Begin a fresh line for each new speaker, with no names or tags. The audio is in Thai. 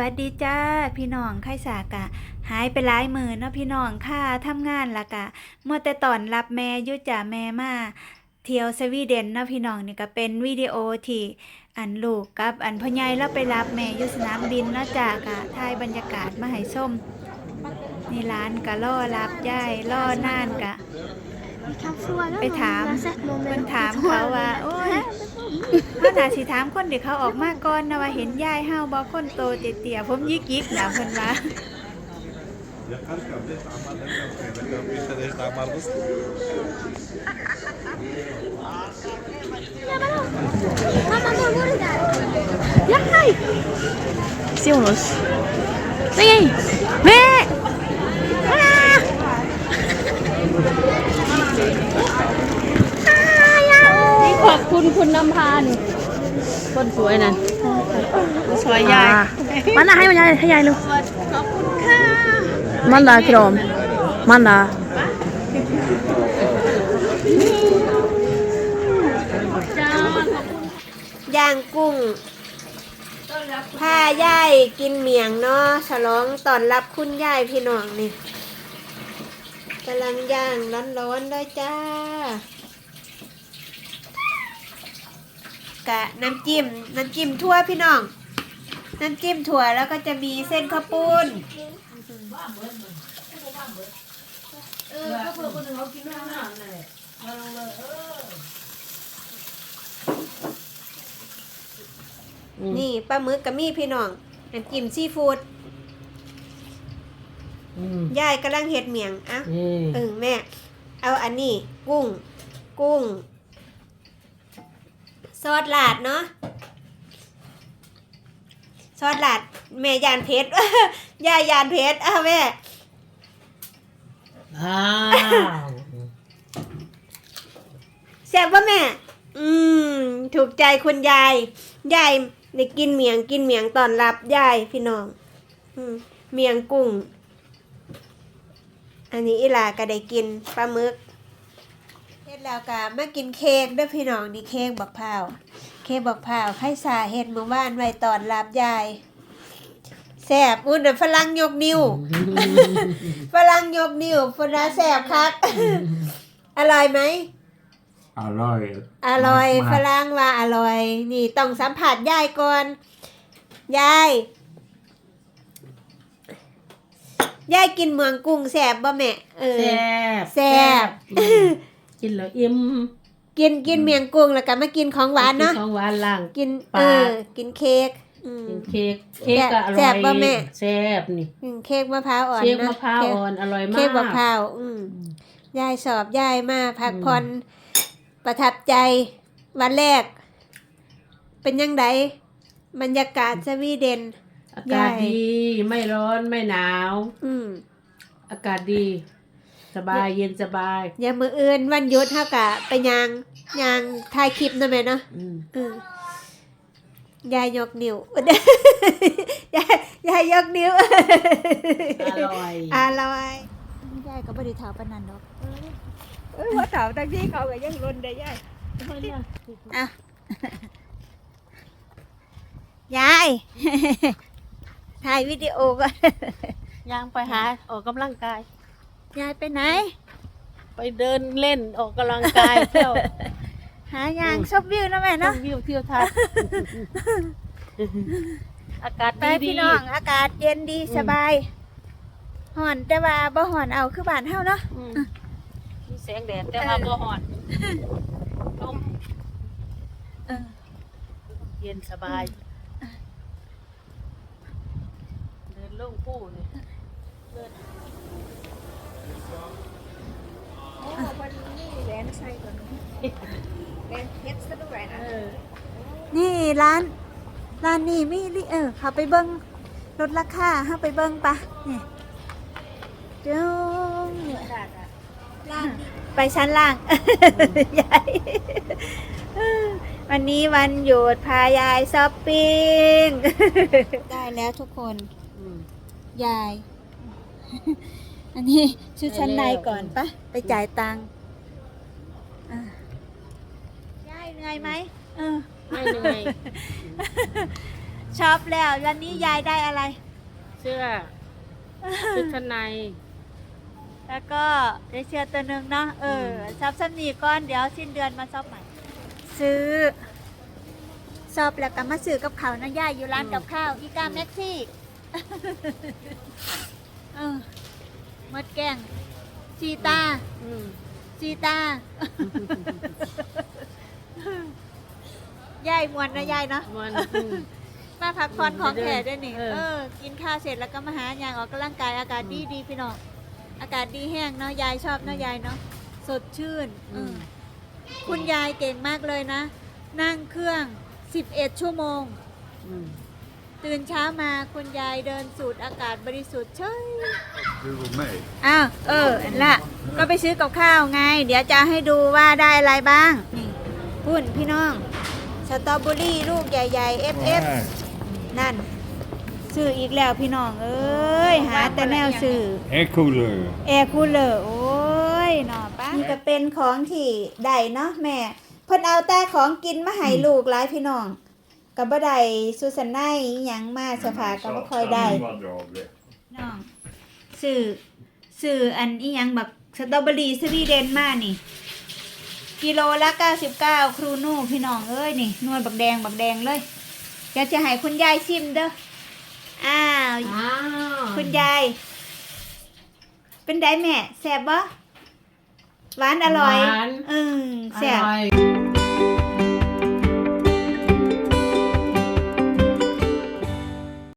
วัสดีจ้าพี่น้องไข่สากะหายไปหลายมื้อเนาะพี่น้องค่ะทำงานละกะมัวแต่ตอนรับแม่อยู่จ้าแม่มาเที่ยวสวีเดนเนาะพี่น้องนี่ก็เป็นวิดีโอที่อันลูกกับอันพ่อใหญ่เราไปรับแม่อยู่สนามบินเนาะจ้ากะถ่ายบรรยากาศมาให้ชมนี่ร้านกะรอรับยายรอนานกะไปถามเพิ่นถามเขาว่าโอ้ยเขาน่าสิถามคนที่เขาออกมาก่อนนะว่าเห็นยายเฮาบ่คนโตเตี้ยๆผมยิกๆนะเพิ่นว่า
Ja, kanske det är samma, det kan inte det är samma röst.
Mamma, nu går det där. Ja, hej! Sionos. Nej! Nej!
นี่ขอบคุณคุณนำพานี่คนสวยนั่นสวยยาย
มันน่ะให้มันยายให้ยายเร็ว
ขอบคุณค่ะ
มันน่ะกรอมมันน่ะ
จ้า
ย่างกุ้งพายายกินเมียงเนาะฉลองต้อนรับคุณยายพี่น้องนี่กำลังย่างร้อนๆด้วยจ้ากะน้ำจิ้มทั่วพี่น้องน้ำจิ้มถั่วแล้วก็จะมีเส้นข้าวปุ้นนี่ปลาหมึกกับมีพี่น้องน้ำจิ้มซีฟู้ดยายกำลังเฮ็ดเมียงอ่ะแม่เอาอันนี้กุ้งซอสลาดเนาะซอสลาดแม่ยานเพชร ยายยานเพชรแม่แซ่บป่ะแม่ถูกใจคุณยายได้กินเมียงตอนรับยายพี่น้องเมียงกุ้งอันนี้อีหลาก็ได้กินปลาหมึกเฮ็ดแล้วก็มากินเค้กด้วยพี่น้องนี่เค้กบักพร้าวไข่สาเฮ็ดเมื่อวานไว้ตอนรับยายแซ่บอุ่นฝรั่งยกนิ้ว ฝรั่งยกนิ้วฝรั่งแซ่บคัก อร่อยไหม
อร่อย
อร่อยฝรั่งว่าอร่อยนี่ต้องสัมผัสยายก่อนยายกินเมืองกุ้งแซ่บบ่แม่แซ่บ
กินแล้วอิ่ม
กินเมียงกุ้งแล้วก็มากินของหวานเนาะ
ของหวานล่าง
กิน
ปาก
กินเค้ก
กินเค้กก็อร่อย
แซ่บบ่แม่
แซ่บนี่
เค้กมะพร้าวอ่อน
เค้ก
นะ
มะพร้าวอ่อนอร่อยมาก
เค้กมะพร้าวยายสอบยายมาพักผ่อนประทับใจวันแรก เป็นยังไงบรรยากาศสวีเดน
อากาศดีไม่ร้อนไม่หนาว อากาศดีสบายเย็นสบาย
อย่ามืออื่นวันหยุดเฮากะไปยางถ่ายคลิปนะแม่เนาะยายยกนิ้ว ยายยกนิ้ว
อร่อย
อร่อยยายก็บ่ได้ถามปานนั้นดอกว่าถามตั้งที่เขาก็ยังรุนได้ยายอ่ะยาย ถ่ายวิดีโอก่อน
ย่างไปหาออกกำลังกาย
ยายไปไหน
ไปเดินเล่นออกกำลังกายเที่ยว
หายางชมวิวนะแม่
ช
เนาะ
มวิวเที่ยวทัศน์อากาศ
ไป
ดี
พี่น้องอากาศเย็นดีสบายห่อนแต่ว่าบ่ห่อนเอาคือบ้านเฮาเนาะ
มีแสงแดดแต่ว่าบ่ฮ้อนลมเย็นสบายเดินลงผู้นี่เดิน
วันนี้แหวนใส่ก่อนแหวนเพชรซะด้วยนะ
เออ
นี่ร้านนี่มีเขาไปเบิ่งลดราคาเฮาไปเบิ่งปะนี่เจ้าไปชั้นล่าง ยายวันนี้วันหยุดพายายช้อปปิ้ง ได้แล้วทุกคนยาย อันนี้ชุดชั้นในก่อนปะไปจ่ายตังค์ยายเหนื่อยไหม
ไม่เหนื่อย
ช็อปแล้ววันนี้ยายได้อะไร
เสื้อชุดชั้นใน
แล้วก็ได้เสื้อตัวหนึ่งเนาะช็อปซ้ำนี่ก้อนเดี๋ยวสิ้นเดือนมาช็อปใหม่ซื้อช็อปแล้วก็มาซื้อกับเขาวนะย่ายอยู่ร้านกับข้าวอีกาแม็กซี่ มดแกงชีตา
อืม
ชีตา ยายมวนนะยายเนาะ
มัน
มาพักผ่อนของแขกด้วยนี่
เออ
กินข้าวเสร็จแล้วก็มาหายางออกกำลังกายอากาศดีดีพี่น้องอากาศดีแห้งเนาะยายชอบเนาะยายเนาะสดชื่นคุณยายเก่งมากเลยนะ นั่งเครื่อง11 ชั่วโมง
อืม
ตื่นเช้ามาคุณยายเดินสูดอากาศบริสุทธิ์เฉย
Google May.
อ้าวอันละก็ไปซื้อกับข้าวไง เดี๋ยวจะให้ดูว่าได้อะไรบ้างนี่พุ่นพี่น้องสตรอเบอรี่ลูกใหญ่ๆ FF นั่นซื้ออีกแล้วพี่น้องเอ้ยหาแต่แนวซื้อ
Air cooler.
แอร์คูลเลอร์โอ้ยเนาะป้านี่ก็เป็นของที่ได้เนาะแม่เพิ่นเอาแต่ของกินมาให้ลูกหลายพี่น้องก็บ่ได้สุสันไนอิหยังมาสภาก็บ่ค่อยได้น้องซื้ออันอิหยังแบบสตรอเบอรี่สวีเดนมานี่กิโลละ99ครูนูพี่น้องเอ้ยนี่นวลบักแดงเลยเดี๋ยวจะให้คุณยายชิมเด้ออ้าว
อ้าว
คุณยาย เป็นไดแม่แซ่บบ่หวานอร่อย
หวาน
แซ่บ
อร่อย